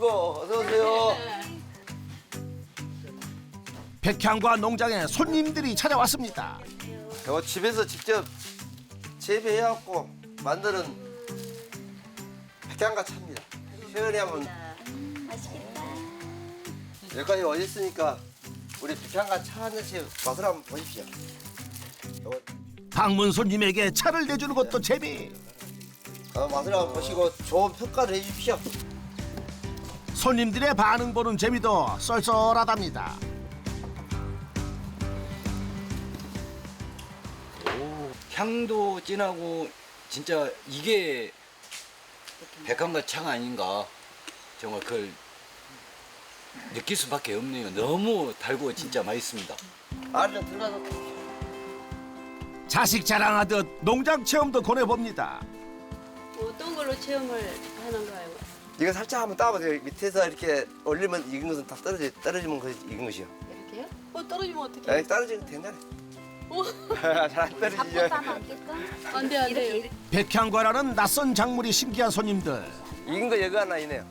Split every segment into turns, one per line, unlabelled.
오시고 어서 오세요.
백향과 농장에 손님들이 찾아왔습니다.
이거 집에서 직접 재배해갖고 만드는 백향과 차입니다. 시원히 한번
맛있겠다.
여기까지 오셨으니까 우리 백향과 차 한 잔씩 맛을 한번 보십시오. 이거
방문 손님에게 차를 내주는 것도 재미.
맛을 한번 보시고 좋은 평가를 해주십시오.
손님들의 반응 보는 재미도 쏠쏠하답니다.
향도 진하고 진짜 이게 백향과 차가 아닌가 정말 그걸 느낄 수밖에 없네요. 너무 달고 진짜 맛있습니다.
안에 좀 들어가서 보십시오.
자식 자랑하듯 농장 체험도 권해봅니다.
어떤 걸로 체험을 하는가요?
이거 살짝 한번 따보세요. 밑에서 이렇게 올리면 익은 것은 다 떨어지면 그 익은 것이요.
이렇게요? 떨어지면 어떡해?
떨어지면 된다네.
어?
잘안 떨어지죠.
안 돼, 안 돼요.
백향과라는 낯선 작물이 신기한 손님들.
익은 거 여기 하나 있네요.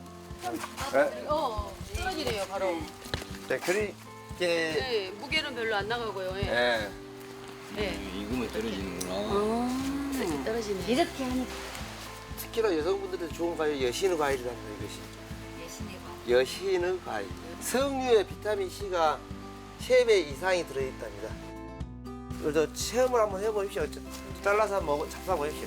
떨어지네요, 바로.
네, 그렇게
네, 무게는 별로 안 나가고요. 예.
예.
네.
익으면 떨어지는구나.
떨어지네.
이렇게 하니까
특히나 여성분들한테 좋은 과일 여신의 과일이랍니다. 이것이
예신의 거.
여신의 과일. 석류에 비타민 C가 3배 이상이 들어있답니다. 그래서 체험을 한번 해보십시오. 잘라서 잡숴보십시오.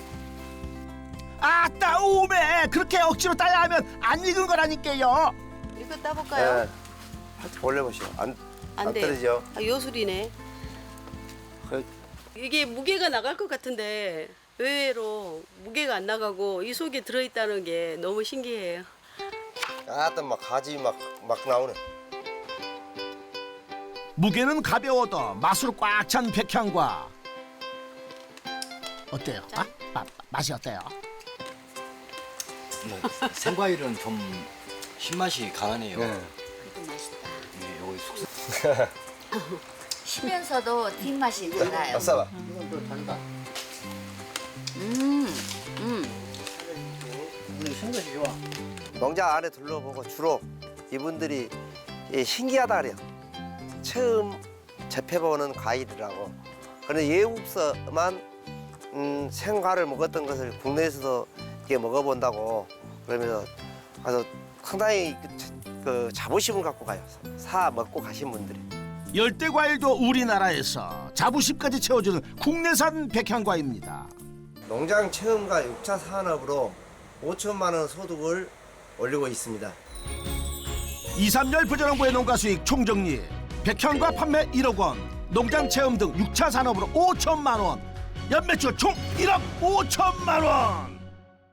아따 오메 그렇게 억지로 따야 하면 안 익은 거라니까요.
이거 따볼까요?
예. 살짝 올려보시오. 안
돼요.
떨어지죠?
아, 요술이네.
그,
이게 무게가 나갈 것 같은데 의외로 무게가 안 나가고 이 속에 들어있다는 게 너무 신기해요.
아따 막 가지 막 나오네.
무게는 가벼워도 맛으로 꽉 찬 백향과. 어때요? 맛이 어때요?
뭐 생과일은 좀 신맛이 강하네요.
네.
그래도 맛있다.
네, 여기 숙성.
쉬면서도 뒷맛이 나요.
싸봐. 농장 안에 둘러보고 주로 이분들이 신기하다 그래요. 처음 접해보는 과일이라고. 그런데 외국서만 생과를 먹었던 것을 국내에서도 이렇게 먹어본다고 그러면서 아주 상당히 그 자부심을 갖고 가요. 사 먹고 가신 분들이.
열대 과일도 우리나라에서 자부심까지 채워주는 국내산 백향과입니다.
농장 체험과 6차 산업으로 5천만 원 소득을 올리고 있습니다.
2, 3년 부자농부의 농가 수익 총정리. 백향과 판매 1억 원, 농장 체험 등 6차 산업으로 5천만 원. 연매출 총 1억 5천만 원.